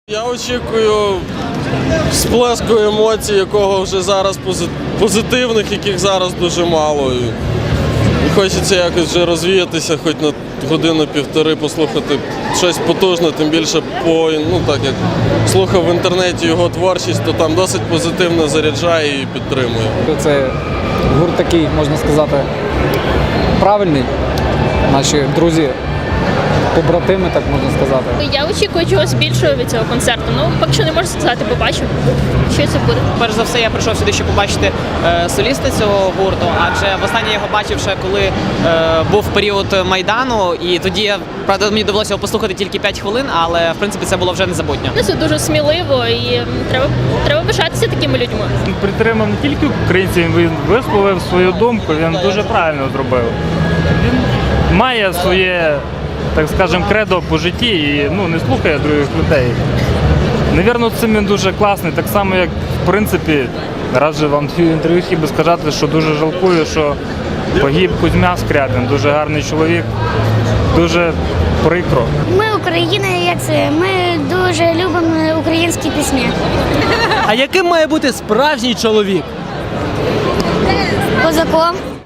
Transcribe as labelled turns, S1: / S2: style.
S1: Я очікую сплеску емоцій, якого вже зараз позитивних, яких зараз дуже мало. І хочеться якось вже розвіятися, хоч на годину-півтори послухати щось потужне, тим більше так як слухав в інтернеті його творчість, то там досить позитивно заряджає і підтримує.
S2: Це гурт такий, можна сказати, правильний. Наші друзі, побратими, так можна сказати.
S3: Я очікую чогось більшого від цього концерту. Поки що не можу сказати, побачу, що це буде.
S4: Перш за все, я прийшов сюди, щоб побачити соліста цього гурту, адже востаннє я його бачив ще коли був період Майдану, і тоді, правда, мені довелося його послухати тільки 5 хвилин, але, в принципі, це було вже незабутньо.
S3: Це дуже сміливо і треба пишатися такими людьми.
S5: Він підтримав не тільки українців, він висловив свою думку, він дуже правильно зробив. Він має своє, так скажемо, кредо по житті і не слухає других людей. Навірно, цим він дуже класний, так само, як, в принципі, раз же вам в інтерв'ю хотів би сказати, що дуже жалкую, що погиб Кузьма Скрябін, дуже гарний чоловік, дуже прикро.
S6: Ми Україна, як це, ми дуже любимо українські пісні.
S7: А яким має бути справжній чоловік?
S6: Козаком.